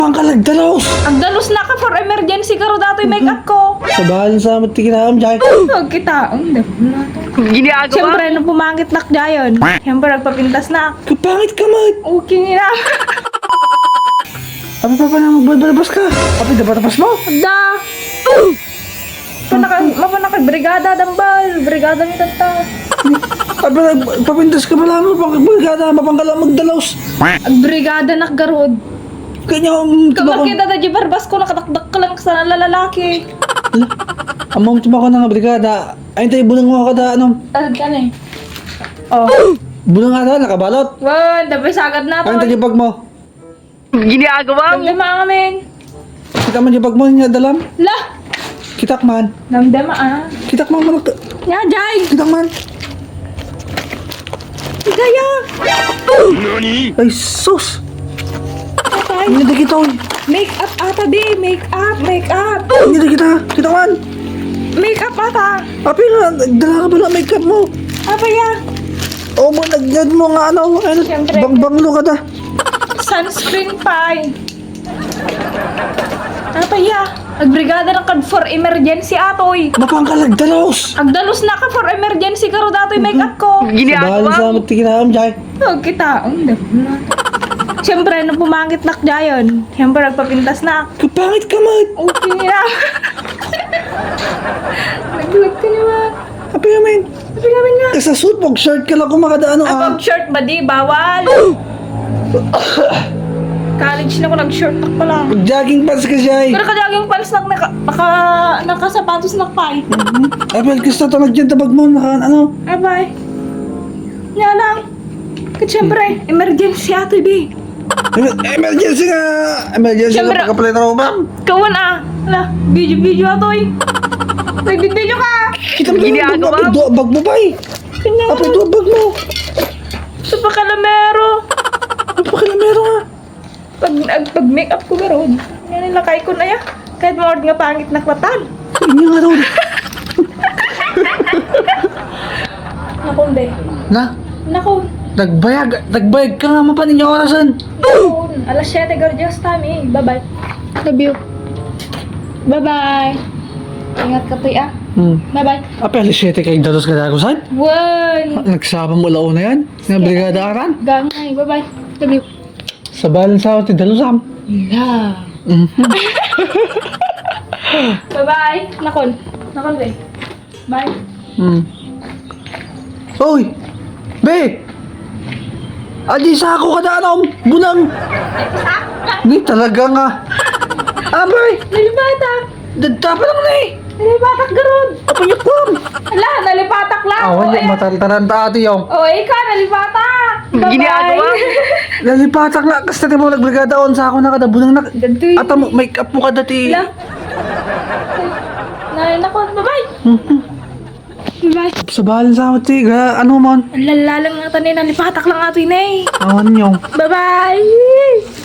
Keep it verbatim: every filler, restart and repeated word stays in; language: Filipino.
Pangkalagdalos! Ang dalos na ka for emergency karo dato'y make up ko. Sa bahal sa matikinaam, Jai. Huwag kita. Ang dapo na to. Ginagawa Siyempre, nung pumangit nak dayon. Siyempre, nagpapintas na. Kapangit ka, mat! Okay nila. Abi pa pa na magbalbalabas ka. Abi, dapat-tapas mo. Da. Panaka, mapanakad, brigada dambal. Brigada ni tata. Abi, papintas ka pala mo. Pangkalagada, mapangkala magdalos. Ang brigada nak garod. Kanya, um, Kapag tibako. kita da barbas ko, nakatakdak ka lang sa lalaki. Amang tibako na nga, brigada. Ayun tayo, bulang mo ka da, ano? Tad ka na eh. Oh. Bulang nga da, nakabalot. Wan, tapos sagad na Ayun to. tayo, bag mo. Ginagawa mo. Damdama amin. Kita man yung bag mo, niya dalam. Lah. Kitak man. Damdama ah. Kitak man, manok. Ya, Jai. Kitak man. Gaya. Ay, sus. Patay. Hindi kita, oy. Make up ata di. Make up. Make up. Hindi kita. Kitak man. Make up ata. Api na, dala ka pala makeup mo. Apa ya? O mo, nagnad mo nga ano, ano, Siyempre. bang-banglo ka da. Sunscreen pie. Apa ya? Agbrigada na kad for emergency atoy. Mapangkalagdalos. Agdalos na ka for emergency karo dato'y make up ko. Sa bahal Ginagawa sa mo. matikinaam, Jai. Huwag kita. Ang dapo na to. Siyempre, nung pumangit nak dayon. Siyempre, nagpapintas na. Kapangit ka, mat. Okay nila. Nagluwag ka naman. Api namin. Sabi namin nga. Sa suit mo, shirt ka lang kung makadaano ah. Above shirt ba di? Bawal. College na ko nag-short nak pa lang. Jogging pants ka, Jai. Pero kadaging palis nak naka, naka, nakasapatos nak pa eh. Apel, gusto ito nagyan tabag mo, naka ano. Abay. Nga lang. Kasi siyempre, emergency ato bi. Em- Emergency nga. Emergency Siyempre. nga pagkapalit ako, ma'am. Kawan ah. Ala, video-video ato eh. Nag-video ka. Kita mo yung Ginagawa bag, mo. bag mo ba eh. Kanya. Apel, ito ang bag mo. Ito pa kalamero. Ano pa kaya meron nga? Pag, ag, pag make up ko garon. Yan ang lakay ko na ya. Kahit mga nga pangit na klatan. Hindi nga raw. Nakon de. Na, Nakon. nagbayag, nagbayag ka nga mapanin yung orasan. Nakon. Alas siyete gorgeous time eh. Bye-bye. Love you. Bye-bye. Ingat ka toy ah. Hmm. Bye-bye. Apel, siyete kay dalos ka dako saan? One. Nagsabang mula una yan. Nga brigada aran. Gangay. Bye-bye. Love you. Sa balan sa ti dalusam. Love. Mhm. Bye-bye. Nakon. Nakon de. Bye. Hmm. Oy! Be! Adi sa ako kada anom! Bunang! Ni talaga nga! Abay! Nalipatak. Dadtapa lang na eh! Nalipatak garon. Apayok ko! Ala, nalipatak lang. Awan Oh, yung ayan. mataltaran ta ate yung. Oh, ikaw, nalipatak. Bye-bye. Ginagawa mo. Lalipatak na kasi natin mo nagbrigada on sa ako na kada bunang na. Gantoy. Ata mo, make up mo ka dati. Ala. Nay, nako, bye-bye. Bye-bye. Sa balan sa ako ti, ga, ano mon? Ang lalalang nga tanin, nalipatak lang ato yun eh. Awan yung. Bye-bye.